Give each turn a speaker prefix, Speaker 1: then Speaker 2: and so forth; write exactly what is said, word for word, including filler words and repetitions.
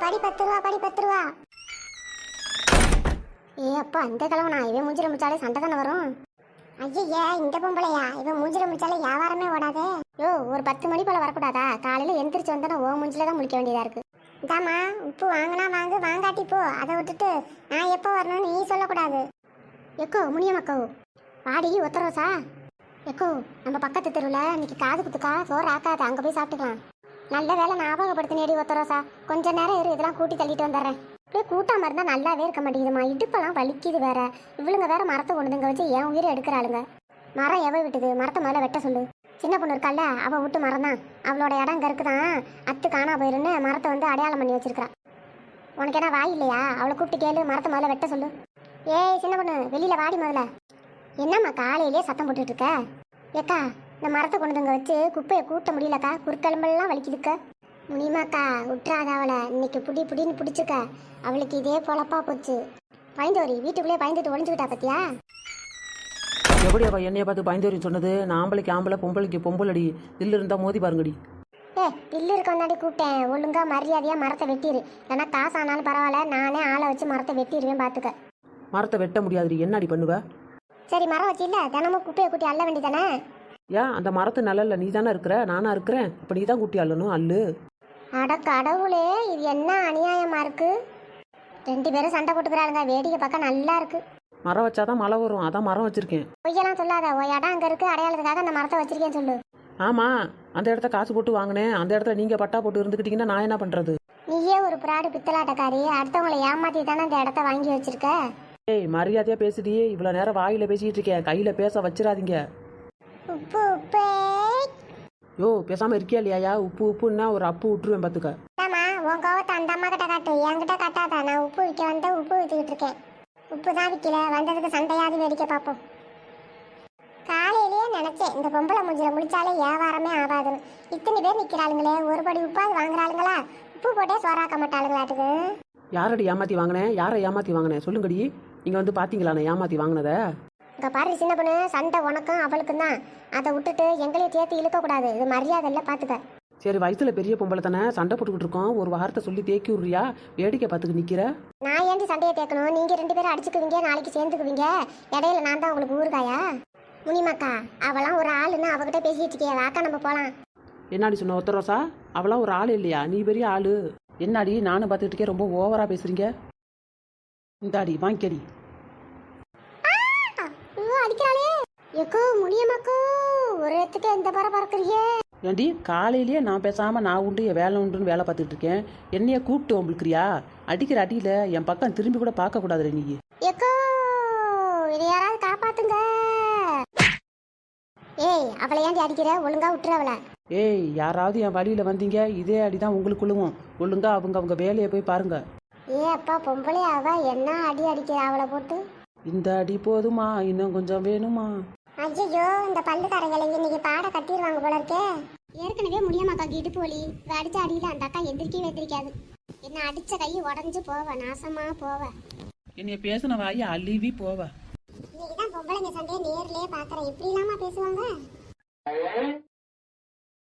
Speaker 1: படி பத்து ரூபா படி பத்து ரூபா. ஏ அப்பா இந்த கிழமை நான் இவன் மூஞ்சில முடிச்சாலே சண்டை தானே வரும். ஐயா இந்த பொம்பளையா இவன் மூஞ்சில முடிச்சாலே வியாபாரமே ஓடாதே. யோ ஒரு பத்து மணி போல வரக்கூடாதா? காலையில எந்திரிச்சு வந்தா ஓ மூஞ்சில தான் முழிக்க வேண்டியதா இருக்கு. இதாம்மா உப்பு வாங்கினா வாங்கு, வாங்காட்டி போ. அதை விட்டுட்டு நான் எப்போ வரணும்னு நீ சொல்லக்கூடாது. எக்கோ முனியம்மக்கோ வாடி ஒத்தரோசா. எக்கோ நம்ம பக்கத்து தெருவில் இன்னைக்கு காது குத்துக்கா, சோறு ஆக்காது, அங்கே போய் சாப்பிட்டுக்கலாம். நல்ல வேலை ஞாபகப்படுத்தினேடி ஒத்தரோசா. கொஞ்ச நேரம் இரு, இதெல்லாம் கூட்டி தள்ளிட்டு வந்துடுறேன். அப்படியே கூட்டாமல் இருந்தால் நல்லாவே இருக்க மாட்டேங்குதுமா. இடுப்பெல்லாம் வலிக்குது வேற. இவளுங்க வேற மரத்தை கொண்டுங்க வச்சு என் உயிரை எடுக்கிறாளுங்க. மரம் எவ விட்டுது? மரத்தை மேலே வெட்ட சொல்லு. சின்ன பொண்ணு இருக்கால, அவள் விட்டு மரம் தான். அவளோட இடம் இங்கே இருக்குதான். அத்து காணா போயிருன்னு மரத்தை வந்து அடையாளம் பண்ணி வச்சிருக்கா. உனக்கு என்ன வாய் இல்லையா? அவளை கூப்பிட்டு கேளு, மரத்தை மேலே வெட்ட சொல்லு. ஏய் சின்ன பொண்ணு வெளியில் வாடி முதல்ல. என்னம்மா காலையிலே சத்தம் போட்டுட்டு இருக்க? ஏக்கா இந்த மரத்தை கொண்டுங்க வச்சு குப்பையை கூட்ட முடியலக்கா, குறுக்கெலும்பெல்லாம் வலிக்குதுக்க. முனிமாக்கா விட்டுறாத அவளை. இன்னைக்கு புடி புடின்னு பிடிச்சிக்க. அவளுக்கு இதே பொழப்பா போச்சு. பயந்தோரி வீட்டுக்குள்ளேயே பயந்துட்டு ஒளிஞ்சுக்கிட்டா பத்தியா?
Speaker 2: எப்படி அவள் என்னைய பார்த்து பயந்தோரின்னு சொன்னது? நான் ஆம்பளைக்கு ஆம்பளை, பொம்பளைக்கு பொம்பளடி. தில்லு இருந்தால் மோதி பாருங்கடி.
Speaker 1: ஏ தில்லு இருக்க வந்தாடி கூப்பிட்டேன். ஒழுங்கா மரியாதையாக மரத்தை வெட்டிடு. ஏன்னா காசு ஆனாலும் பரவாயில்ல, நானே ஆளை வச்சு மரத்தை வெட்டிடுவேன் பார்த்துக்க.
Speaker 2: மரத்தை வெட்ட முடியாதுடி. என்னடி பண்ணுவ?
Speaker 1: சரி மரம் வச்சு இல்லை தினமும் குப்பையை கூட்டி அள்ள வேண்டியதானே?
Speaker 2: ஏன் அந்த மரத்து நல்ல நீ தானே இருக்கிற, நானா இருக்கிறேன். இப்போ நீ தான் கூட்டி அள்ளணும், அல்லு.
Speaker 1: அட கடவுளே, இது என்ன அநியாயமா இருக்கு? ரெண்டு பேரும் சண்டை போட்டுக்கிறாளுங்க, வேடிக்கை பார்க்க நல்லா இருக்கு.
Speaker 2: மரம் வச்சாதான் மழை வரும், அதான் மரம் வச்சிருக்கேன்.
Speaker 1: பொய்யெல்லாம் சொல்லாத. ஓ இடம் அங்கே இருக்கு, அடையாளத்துக்காக அந்த மரத்தை வச்சிருக்கேன்னு சொல்லு.
Speaker 2: ஆமாம், அந்த இடத்த காசு போட்டு வாங்கினேன். அந்த இடத்துல நீங்கள் பட்டா போட்டு இருந்துக்கிட்டீங்கன்னா நான் என்ன பண்ணுறது?
Speaker 1: நீயே ஒரு பிராடு பித்தலாட்டக்காரி. அடுத்தவங்களை ஏமாத்தி தானே அந்த இடத்த வாங்கி வச்சிருக்க.
Speaker 2: ஏய் மரியாதையாக பேசுடியே. இவ்வளோ நேரம் வாயில் பேசிக்கிட்டு இருக்கேன், கையில் பேச வச்சிடாதீங்க.
Speaker 1: உப்பு உப்பே.
Speaker 2: யோ பேசாமல் இருக்கியா இல்லையா? உப்பு உப்புன்னா ஒரு அப்பு விட்டுருவேன் பார்த்துக்க.
Speaker 1: ஆமா உன் கோவத்தை அந்த அம்மா கிட்ட காட்டு, என்கிட்ட காட்டாத. நான் உப்பு விற்க வந்து உப்பு வித்துக்கிட்டு இருக்கேன். உப்பு தான் விற்கல, வந்ததுக்கு சண்டையாவது வேடிக்கை பார்ப்போம். காலையிலேயே நினைச்சேன் இந்த பொம்பளை மூஞ்சில முடிச்சாலே வியாபாரமே ஆகாதுன்னு. இத்தனை பேர் நிற்கிறாளுங்களே, ஒரு படி உப்பாவது வாங்குறாளுங்களா? உப்பு போட்டே சோறாக்க மாட்டாளுங்களாட்டுக்கு.
Speaker 2: யாரடி ஏமாற்றி வாங்கினேன்? யாரை ஏமாற்றி வாங்கினேன் சொல்லுங்கடி. நீங்கள் வந்து பார்த்தீங்களா நான் ஏமாற்றி வாங்கினதை?
Speaker 1: இங்கே பாரு சின்ன பொண்ணு, சண்டை உனக்கும் அவளுக்கும் தான். அதை விட்டுட்டு எங்களையும் சேர்த்து இழுக்கக்கூடாது. இது மரியாதை இல்லை பார்த்துக்க.
Speaker 2: சரி வயசுல பெரிய பொம்பளை தானே, சண்டை போட்டுக்கிட்டு இருக்கோம். ஒரு வார்த்தை சொல்லி தேக்கி விட்றியா? வேடிக்கை பார்த்துக்கு நிற்கிற.
Speaker 1: நான் ஏன்டி சண்டையை தேக்கணும்? நீங்கள் ரெண்டு பேரும் அடிச்சுக்குவீங்க, நாளைக்கு சேர்ந்துக்குவீங்க. இடையில நான் தான் உங்களுக்கு ஊறுகாயா? முனிமாக்கா அவளாம் ஒரு ஆளுன்னு அவகிட்ட பேசிட்டு இருக்கியா? வாக்கா நம்ம போகலாம்.
Speaker 2: என்னாடி சொன்ன ஒத்தரோசா? அவளாம் ஒரு ஆள் இல்லையா? நீ பெரிய ஆளு. என்னாடி நானும் பார்த்துட்டு இருக்கேன், ரொம்ப ஓவரா பேசுறீங்க. இந்தாடி வாங்கிக்கடி.
Speaker 1: அடிக்கிறாளே எக்கோ முனியம்மாக்கோ, ஒரு இடத்துக்கு எந்த பற பறக்குறீங்க?
Speaker 2: ஏண்டி காலையிலேயே நான் பேசாமல் நான் உண்டு என் வேலை உண்டுன்னு வேலை பார்த்துட்டு இருக்கேன். என்னைய கூப்பிட்டு உங்களுக்குறியா? அடிக்கிற அடியில் என் பக்கம் திரும்பி கூட பார்க்கக்கூடாதுல நீ.
Speaker 1: எக்கோ இதை யாராவது காப்பாத்துங்க. ஏய் அவளை ஏன்டி அடிக்கிற? ஒழுங்கா விட்டுற அவளை.
Speaker 2: ஏய் யாராவது என் வழியில் வந்தீங்க இதே அடிதான் உங்களுக்குள்ளுவும். ஒழுங்கா அவங்க அவங்க வேலையை போய் பாருங்க.
Speaker 1: ஏ அப்பா பொம்பளை அவ என்ன அடி அடிக்கிற அவளை போட்டு.
Speaker 2: இந்த அடி போதுமா, இன்னும் கொஞ்சம் வேணுமா?
Speaker 1: ஐயோ இந்த பல்லுக்காரங்களை இன்னைக்கு பாட கட்டிடுவாங்க போல இருக்கே. ஏற்கனவே முடியாமாக்கா இடுப்பு வலி. அடிச்ச அடியில அந்த அக்கா எந்திரிக்கவே எந்திரிக்காது. என்ன அடிச்ச கை உடஞ்சு போவ, நாசமா போவ.
Speaker 2: என்னைய பேசின வாயை அழுவி போவ.
Speaker 1: இன்னைக்குதான் பொம்பளைங்க சண்டையை நேர்லயே பாக்குறேன். இப்படி இல்லாம பேசுவாங்க?